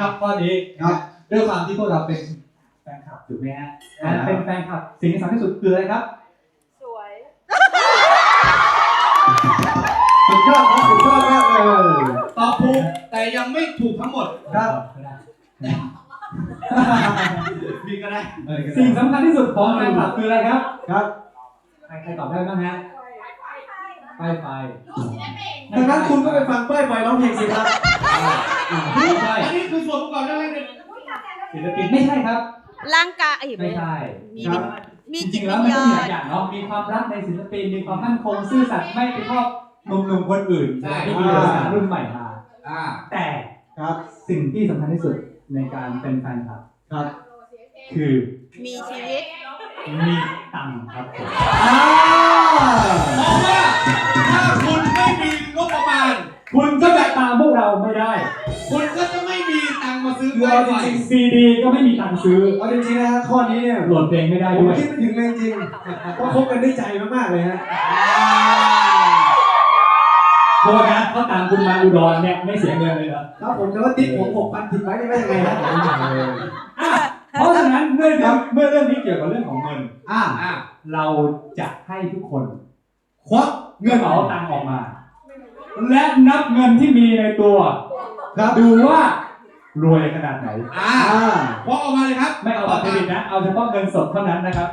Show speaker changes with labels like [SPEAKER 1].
[SPEAKER 1] ครับข้อนี้ครับด้วยความที่พวกเราเป็นแฟนคลับถูกไหมฮะเป็นแฟนคลับสิ่งที่สำคัญที่สุดคืออะไรครับ
[SPEAKER 2] สวย
[SPEAKER 1] สุดยอดครับสุดยอดมากเลย
[SPEAKER 3] ตอบถูกแต่ยังไม่ถูกทั้งหมด
[SPEAKER 1] ครับ
[SPEAKER 3] มีก็ได้
[SPEAKER 1] สิ่งสำคัญที่สุดของแฟนคลับคืออะไรครับครับใครตอบได้บ้างฮะป้ายไฟดังนั้นคุณก็ไปฟังป้ายไฟร้องเพลงสิครับ
[SPEAKER 3] ไม่ใช่อันนี้คือส่วนประกอบนั่นเอง
[SPEAKER 1] ศิลปินไม่ใช่ครับ
[SPEAKER 2] ร่างกาย
[SPEAKER 1] ไม่ใช่
[SPEAKER 2] มี
[SPEAKER 1] จริงๆแล้วมันก็มีหลายอย่างเนาะมีความรักในศิลปินมีความมั่นคงซื่อสัตย์ไม่ไปชอบหนุ่มๆคนอื่นที่มีภาษารุ่นใหม่มาแต่ครับสิ่งที่สำคัญที่สุดในการเป็นแฟนคลับครับคือ
[SPEAKER 2] มีชีวิต
[SPEAKER 1] มีตังค์ครับผม
[SPEAKER 3] เพราะว่าถ้าคุณไม่มีงบประมาณ
[SPEAKER 1] คุณก็จะตามพวกเราไม่ได้
[SPEAKER 3] คุณก็จะไม่มีตังค์มาซื้อไวไฟ
[SPEAKER 1] จริงๆซีดีก็ไม่มีตังค์ซื้อ
[SPEAKER 4] เอาจริงๆนะฮะข้อนี้เนี่ย
[SPEAKER 1] โหลดเพลงไม่ได้
[SPEAKER 4] ผม
[SPEAKER 1] ด้วย
[SPEAKER 4] คิดไม่ถึงเลยจริงก็คบกันด้วยใจมากๆเลยฮะ
[SPEAKER 1] โทษนะเขาตามคุณมาอุดรเนี่ยไม่เสียเงินเลยเหรอ
[SPEAKER 4] ครับผมแต่ว่าติ๊กผม6,000ผิดไว้ได้ยังไงนะ
[SPEAKER 1] เพราะฉะนั้นเมื่อเรื่องนี้เกี่ยวกับเรื่องของเงินเราจะให้ทุกคนควักเงินเอาตังค์ออกมาและนับเงินที่มีในตัวดูว่ารวยขนาดไหน
[SPEAKER 3] ควักออกมาเลยครับ
[SPEAKER 1] ไม่เอาบัตรเครดิตนะเอาเฉพาะเงินสดเท่านั้นนะครับ